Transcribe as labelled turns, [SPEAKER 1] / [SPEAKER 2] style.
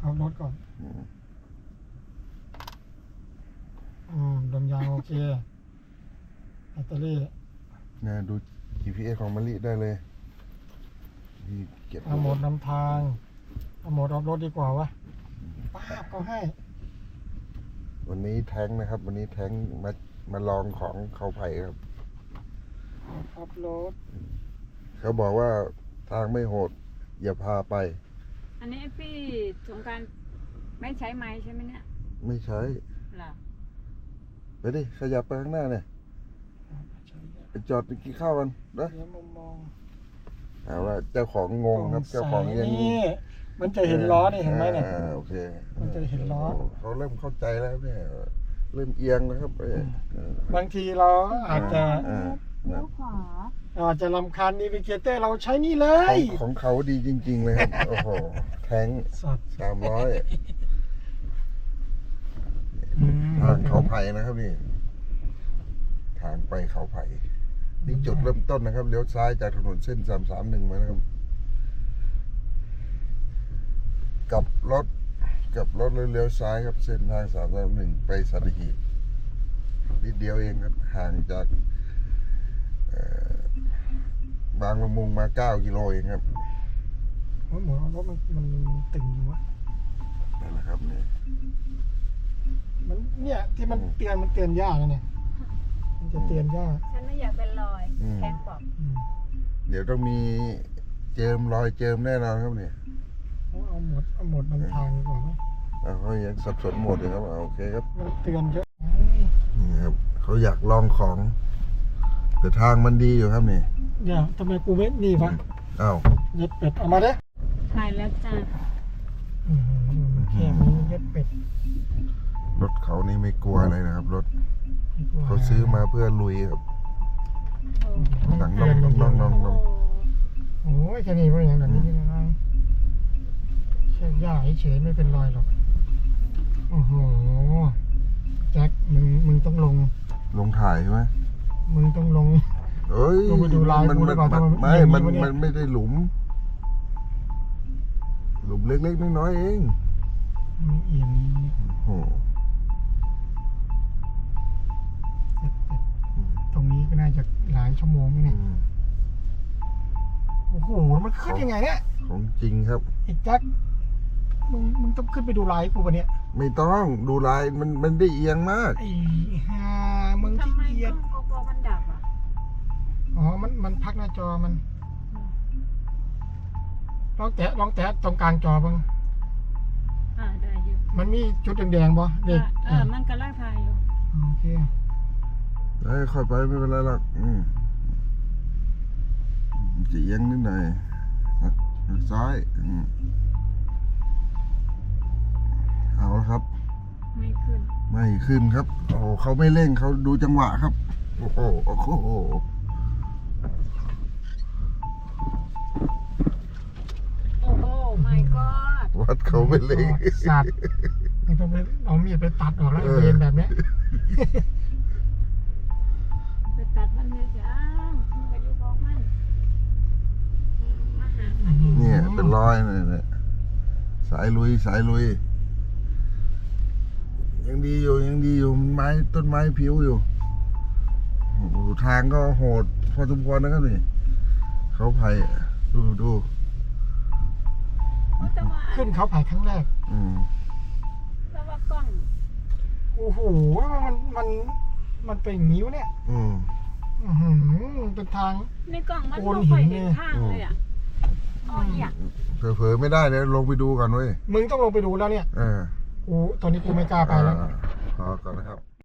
[SPEAKER 1] เอารถก่อนดมยางโอเคแบตเตอรี่
[SPEAKER 2] เนี่ยดู GPS ของมะลิได้เลยเก็บ
[SPEAKER 1] เอาโหมดนำทางเอาโหมดออฟรถดีกว่าวะป้าบก็ให้
[SPEAKER 2] วันนี้แท้งนะครับวันนี้แท้งมาลองของเขาไผ่ครับ
[SPEAKER 1] ออฟรถ
[SPEAKER 2] เขาบอกว่าทางไม่โหดอย่าพาไป
[SPEAKER 3] อันนี้พี่สงการไม่ใช้ไม้ใช่ไหมเนี่ย
[SPEAKER 2] ไม่ใช้
[SPEAKER 3] หรอ
[SPEAKER 2] ไปดิขยับไปข้างหน้าเนี่ยจอดไปกินข้าวกันนะเอาละเจ้าของงงครับเจ้าของยัง
[SPEAKER 1] มันจะเห็นล้อนี่เห็นไหมเนี่ย
[SPEAKER 2] โอเค
[SPEAKER 1] มันจะเห็นล้อ
[SPEAKER 2] เขาเริ่มเข้าใจแล้วเนี่ยเริ่มเอียงนะครับ
[SPEAKER 1] บางทีเราอาจจะ
[SPEAKER 3] เลี้ยวขวา
[SPEAKER 1] อาจจะรำคาญนีวิเกเตอร์เราใช้นี่เลย
[SPEAKER 2] ของเขาดีจริงๆเลยครับโอ้โหแทง300ทางเขาไผ่นะครับนี่ทางไปเขาไผ่นี่จุดเริ่มต้นนะครับเลี้ยวซ้ายจากถนนเส้น331มานะครับกับรถเลี้ยวซ้ายครับเส้นทาง331ไปสัตหีบนิดเดียวเองครับห่างจากบางละมุงมา9 กิโลเองครับ
[SPEAKER 1] หมอรถมันตึงอยู่วะ
[SPEAKER 2] นั่นแหละครับนี่
[SPEAKER 1] มันเนี่ยที่มันเตือนยากนะเนี่ยมันจะเตือนยาก
[SPEAKER 3] ฉันไม่อยากเป็นรอยแข็งบอก
[SPEAKER 2] เดี๋ยวต้องมีเจิมรอยเจิมแน่นอนครับเนี่ย
[SPEAKER 1] เอาหมดนำทางดีกว่าไหม
[SPEAKER 2] เขายังสับสนหมดเลยครับโอเคครับ
[SPEAKER 1] มันเตือนเยอะ
[SPEAKER 2] นี่ครับเขาอยากลองของแต่ทางมันดีอยู่ครับนี่
[SPEAKER 1] เนี่ยทำไมกูไม่นี่วะ
[SPEAKER 2] อ้าว
[SPEAKER 1] เย็ดเป็ดเอามาเด้
[SPEAKER 3] ถ่ายแล้วจ้า
[SPEAKER 1] แค่มีเย็ดเป็ด
[SPEAKER 2] รถเขานี่ไม่กลัวอะไรนะครับรถเขาซื้อมาเพื่อลุยครับหนังน้อง
[SPEAKER 1] โอ้ยแค่นี้ก็อย่างนี้ง่ายแค่ย่าเฉยไม่เป็นรอยหรอกโอ้โหแจ็คมึงต้องลง
[SPEAKER 2] ถ่ายใช่ไหม
[SPEAKER 1] มึงต้องลง
[SPEAKER 2] เอ้ย
[SPEAKER 1] ลงไปดูลายกูได้ป่ะ
[SPEAKER 2] มันไม่ได้หลุมเล็กๆน้อยๆเอง
[SPEAKER 1] มันเอียง
[SPEAKER 2] โอ้
[SPEAKER 1] ตรงนี้ก็น่าจะหลายชั่วโมงเนี่ยโอ้โหมันขึ้นยังไงเนี่ย
[SPEAKER 2] ของจริงครับ
[SPEAKER 1] ไอ้แจ็คมึงต้องขึ้นไปดูลายกูปะเนี่ย
[SPEAKER 2] ไม่ต้องดูลายมันได้เอียงมาก
[SPEAKER 1] ไอ้ห่ามึง
[SPEAKER 3] ทำไม
[SPEAKER 1] เอียง
[SPEAKER 3] โกโปรมันดับอ่ะ
[SPEAKER 1] อ๋อมันพักหน้าจอมันลองแตะตรงกลางจอบ้าง
[SPEAKER 3] ได้อยู่
[SPEAKER 1] มันมีจุดแดงๆป่ะเด็ก
[SPEAKER 3] มันกำลังถ่ายอยู่
[SPEAKER 1] โอเค
[SPEAKER 2] ค่อยไปไม่เป็นไรหรอกจะเอียงนิดหน่อยซ้ายเอาละครับ
[SPEAKER 3] ไม่ขึ้น
[SPEAKER 2] ครับโอ้เขาไม่เร่งเขาดูจังหวะครับโอ้โห
[SPEAKER 3] my god
[SPEAKER 2] วัดเขาไม่เร่ง
[SPEAKER 1] สัตว์ไม่ต้องไปเอามีดไปตัดออกแล้วเรียนแบบนี้
[SPEAKER 3] ไปตัดมันเลยจ้ามันก็อยู่ของมันมาหา
[SPEAKER 2] เนี่ยเป็นรอยเนี่ยสายลุยยังดีอยู่ไม้ต้นไม้ผิวอยู่ทางก็โหดพอสมควรนะครับนี่เขาไผ่ดู
[SPEAKER 1] ขึ้นเขาไผ่ครั้งแรก
[SPEAKER 3] แล้วว่ากล้อง
[SPEAKER 1] โอ้โหมันเป็นนิ้วเนี่ยเป็นทาง
[SPEAKER 3] ในกล้องมันไม่ค่อยเห็นทางเลยอ่ะ
[SPEAKER 2] เผลอไม่ได้เลยลงไปดูกันเว้ย
[SPEAKER 1] มึงต้องลงไปดูแล้วเนี่ยโอ้ตอนนี้กูไม่กล้าไปแล้ว
[SPEAKER 2] พอก่อนนะครับ